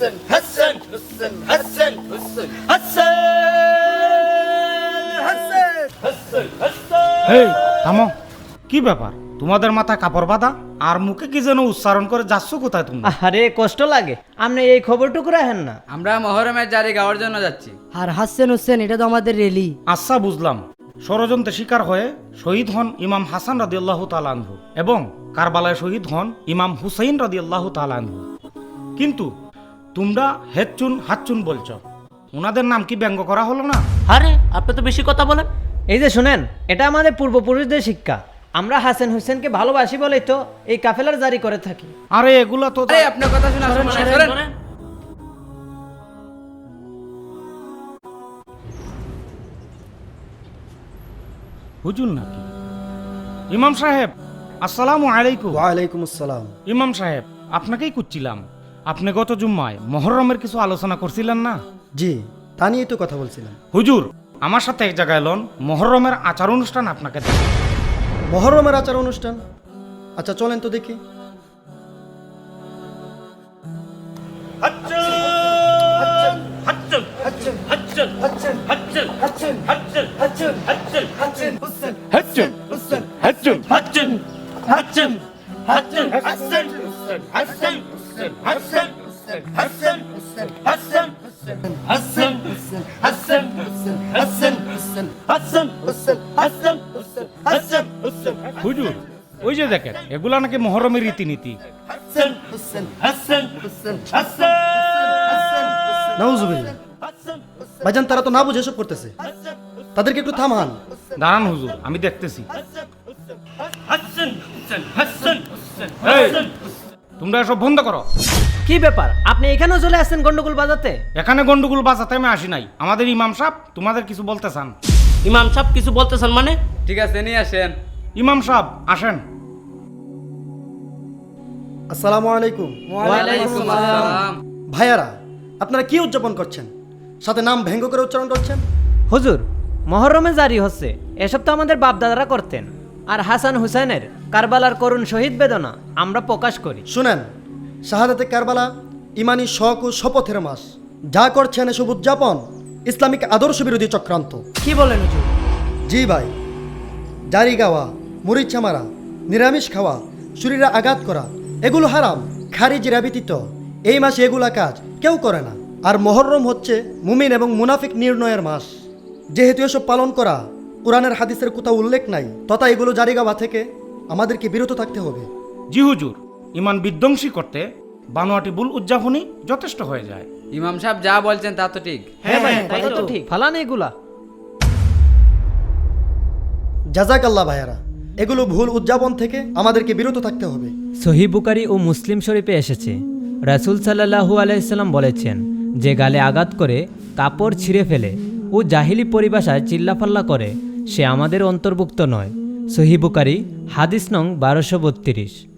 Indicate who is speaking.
Speaker 1: হাসান হাসান হাসান হাসান হাসান হাসান হাসান।
Speaker 2: এই থামো, কি ব্যাপার? তোমাদের মাথায় কাপড় বাঁধা আর মুখে কি যেন উচ্চারণ করে যাচ্ছ কোথায় তুমি?
Speaker 3: আরে কষ্ট লাগে, আপনি এই খবরটুকু রাখেন না।
Speaker 4: আমরা মহরমের জারি গাওয়ার জন্য যাচ্ছি।
Speaker 5: আর হাসছেন হোসেন, এটা তো আমাদের রেলি।
Speaker 2: আচ্ছা বুঝলাম, ষড়যন্ত্রের শিকার হয়ে শহীদ হন ইমাম হাসান রাদিয়াল্লাহু তাআলা আনহু এবং কারবালায় শহীদ হন ইমাম হুসাইন রাদিয়াল্লাহু তাআলা আনহু। কিন্তু তোমরা হেচ্চুন হাচ্চুন বলছো, ওনাদের নাম কি ব্যঙ্গ করা হলো না?
Speaker 6: আরে আপনি তো বেশি কথা বলেন।
Speaker 3: এই যে শুনেন, এটা আমাদের পূর্বপুরুষদের শিক্ষা। আমরা হাসান হোসেনকে ভালোবাসি বলেই তো এই কাফেলার জারি করে থাকি।
Speaker 2: আরে এগুলা তো
Speaker 4: আরে আপনার কথা শুনে আসুন, সরেন।
Speaker 6: শোনেন।
Speaker 2: হুজুর নাকি? ইমাম সাহেব আসসালামু আলাইকুম।
Speaker 7: ওয়ালাইকুম আসসালাম।
Speaker 2: ইমাম সাহেব, আপনাকেই খুঁজছিলাম। আপনি গত জুম্মায় মহরমের কিছু আলোচনা করছিলেন না?
Speaker 7: জি, তা নিয়েই তো কথা বলছিলাম।
Speaker 2: হুজুর, আমার সাথে এক জায়গায় এলন, মহরমের আচার অনুষ্ঠান আপনাকে দেখাবো।
Speaker 7: মহরমের আচার অনুষ্ঠান? আচ্ছা চলেন তো দেখি।
Speaker 2: হুজুর, ওই যে দেখেন, এগুলা নাকি মহরমের রীতিনীতি।
Speaker 7: নাউজুবিল্লাহ। ভাইজান, তারা তো না বুঝে এসব করতেছে, তাদেরকে একটু থামান।
Speaker 2: দাঁড়ান হুজুর, আমি দেখতেছি। এই, তোমরা এসব বন্ধ করো।
Speaker 3: কি ব্যাপার, আপনি এখানেও চলে আসছেন গন্ডগোল বাজাতে?
Speaker 2: এখানে গন্ডগোল বাজাতে আমি আসি নাই। আমাদের ইমাম সাহেব তোমাদের কিছু বলতে চান।
Speaker 6: ইমাম সাহেব কিছু বলতেছেন মানে?
Speaker 4: ঠিক আছে, নিয়ে আসেন।
Speaker 2: ইমাম সাহেব আসেন।
Speaker 7: আসসালামু আলাইকুম।
Speaker 4: ওয়ালাইকুম আসসালাম।
Speaker 7: ভাইয়ারা, আপনারা কি উদযাপন করছেন? সাথে নাম ব্যঙ্গ করে উচ্চারণ করছেন।
Speaker 3: হুজুর, মহরমে জারি হচ্ছে, এসব তো আমাদের বাপদাদারা করতেন। আর হাসান হুসাইনের কারবালার করুণ শহীদ বেদনা আমরা প্রকাশ করি।
Speaker 7: শুনেন, শাহাদাতে কারবালা ইমানি শখ ও শপথের মাস। যা করছেন এসব উদযাপন ইসলামিক আদর্শ বিরোধী চক্রান্ত।
Speaker 5: কি বলেন হুজুর?
Speaker 7: জি ভাই, জারি গাওয়া, মরিচা মারা, নিরামিষ খাওয়া, শরীরে আঘাত করা, এগুলো হারাম। খারিজিরা ব্যতীত এই মাসে এগুলা কাজ কেউ করে না। আর মহরম হচ্ছে মুমিন এবং মুনাফিক নির্ণয়ের মাস। যেহেতু এসব পালন করা কোরআনের হাদিসের কোথাও উল্লেখ নাই, তথা এগুলো জারি গাওয়া থেকে আমাদেরকে বিরত থাকতে হবে।
Speaker 2: জি হুজুর, ইমান বিধ্বংসী করতে বানোয়াটি বুল উদযাপনই যথেষ্ট হয়ে যায়।
Speaker 4: ইমাম সাহেব যা বলছেন তা তো ঠিক।
Speaker 3: হ্যাঁ ভাই, তাই তো ঠিক। ফালান এগুলা।
Speaker 7: জাযাকাল্লাহ ভাইয়ারা, এগুলো ভুল উদযাপন থেকে আমাদেরকে বিরত থাকতে হবে।
Speaker 3: সহিহ বুখারী ও মুসলিম শরীফে এসেছে, রাসূল সাল্লাল্লাহু আলাইহি সাল্লাম বলেছেন, যে গালে আঘাত করে, কাপড় ছিঁড়ে ফেলে ও জাহিলি পরিভাষায় চিল্লাফাল্লা করে, সে আমাদের অন্তর্ভুক্ত নয়। সহিহ বুখারী হাদিস নং 1232।